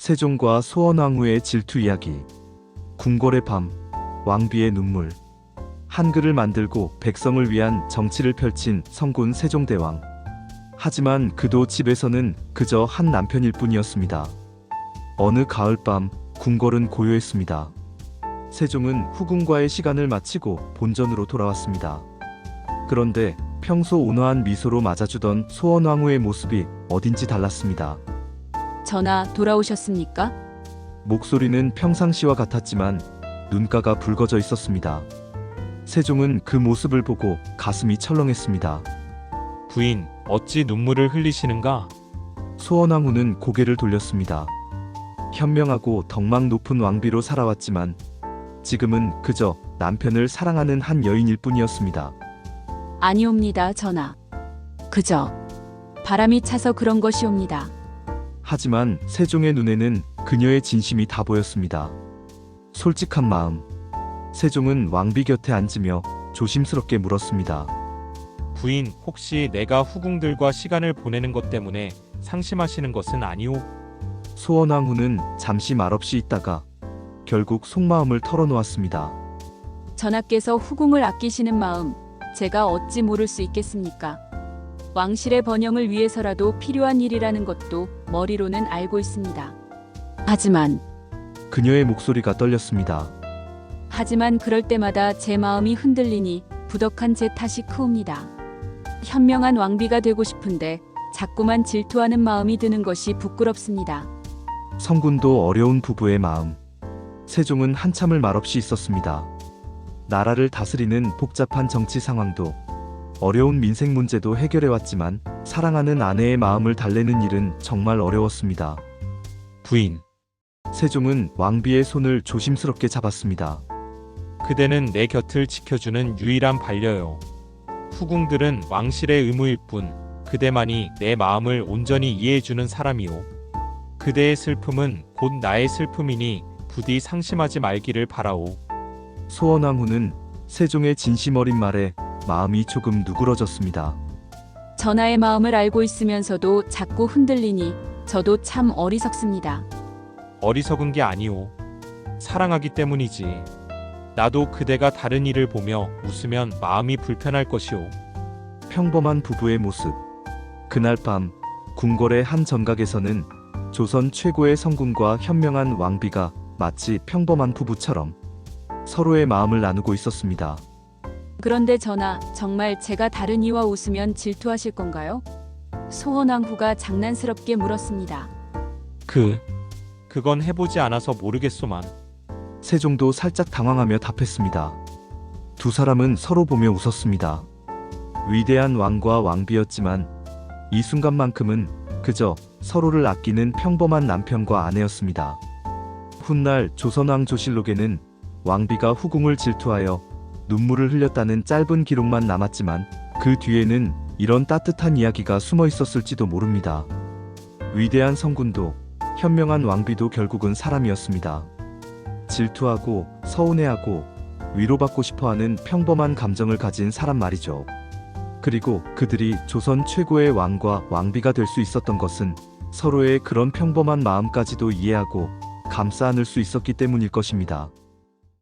세종과 소원왕후의 질투 이야기. 궁궐의 밤, 왕비의 눈물. 한글을 만들고 백성을 위한 정치를 펼친 성군 세종대왕. 하지만 그도 집에서는 그저 한 남편일 뿐이었습니다. 어느 가을밤 궁궐은 고요했습니다. 세종은 후궁과의 시간을 마치고 본전으로 돌아왔습니다. 그런데 평소 온화한 미소로 맞아주던 소원왕후의 모습이 어딘지 달랐습니다. 전하, 돌아오셨습니까? 목소리는 평상시와 같았지만 눈가가 붉어져 있었습니다. 세종은 그 모습을 보고 가슴이 철렁했습니다. 부인, 어찌 눈물을 흘리시는가? 소원왕후는 고개를 돌렸습니다. 현명하고 덕망 높은 왕비로 살아왔지만 지금은 그저 남편을 사랑하는 한 여인일 뿐이었습니다. 아니옵니다, 전하. 그저 바람이 차서 그런 것이옵니다. 하지만 세종의 눈에는 그녀의 진심이 다 보였습니다. 솔직한 마음. 세종은 왕비 곁에 앉으며 조심스럽게 물었습니다. 부인, 혹시 내가 후궁들과 시간을 보내는 것 때문에 상심하시는 것은 아니오? 소원왕후는 잠시 말없이 있다가 결국 속마음을 털어놓았습니다. 전하께서 후궁을 아끼시는 마음, 제가 어찌 모를 수 있겠습니까? 왕실의 번영을 위해서라도 필요한 일이라는 것도 머리로는 알고 있습니다. 하지만 그녀의 목소리가 떨렸습니다. 그럴 때마다 제 마음이 흔들리니 부덕한 제 탓이 크옵니다. 현명한 왕비가 되고 싶은데 자꾸만 질투하는 마음이 드는 것이 부끄럽습니다. 성군도 어려운 부부의 마음. 세종은 한참을 말없이 있었습니다. 나라를 다스리는 복잡한 정치 상황도 어려운 민생 문제도 해결해왔지만 사랑하는 아내의 마음을 달래는 일은 정말 어려웠습니다. 부인, 세종은 왕비의 손을 조심스럽게 잡았습니다. 그대는 내 곁을 지켜주는 유일한 반려요. 후궁들은 왕실의 의무일 뿐 그대만이 내 마음을 온전히 이해해주는 사람이오. 그대의 슬픔은 곧 나의 슬픔이니 부디 상심하지 말기를 바라오. 소원왕후는 세종의 진심 어린 말에 마음이 조금 누그러졌습니다. 전하의 마음을 알고 있으면서도 자꾸 흔들리니 저도 참 어리석습니다. 어리석은 게 아니오. 사랑하기 때문이지. 나도 그대가 다른 일을 보며 웃으면 마음이 불편할 것이오. 평범한 부부의 모습. 그날 밤 궁궐의 한 정각에서는 조선 최고의 성군과 현명한 왕비가 마치 평범한 부부처럼 서로의 마음을 나누고 있었습니다. 그런데 전하, 정말 제가 다른 이와 웃으면 질투하실 건가요? 소원왕후가 장난스럽게 물었습니다. 그건 해보지 않아서 모르겠소만. 세종도 살짝 당황하며 답했습니다. 두 사람은 서로 보며 웃었습니다. 위대한 왕과 왕비였지만 이 순간만큼은 그저 서로를 아끼는 평범한 남편과 아내였습니다. 훗날 조선왕 조실록에는 왕비가 후궁을 질투하여 눈물을 흘렸다는 짧은 기록만 남았지만 그 뒤에는 이런 따뜻한 이야기가 숨어 있었을지도 모릅니다. 위대한 성군도 현명한 왕비도 결국은 사람이었습니다. 질투하고 서운해하고 위로받고 싶어하는 평범한 감정을 가진 사람 말이죠. 그리고 그들이 조선 최고의 왕과 왕비가 될 수 있었던 것은 서로의 그런 평범한 마음까지도 이해하고 감싸 안을 수 있었기 때문일 것입니다.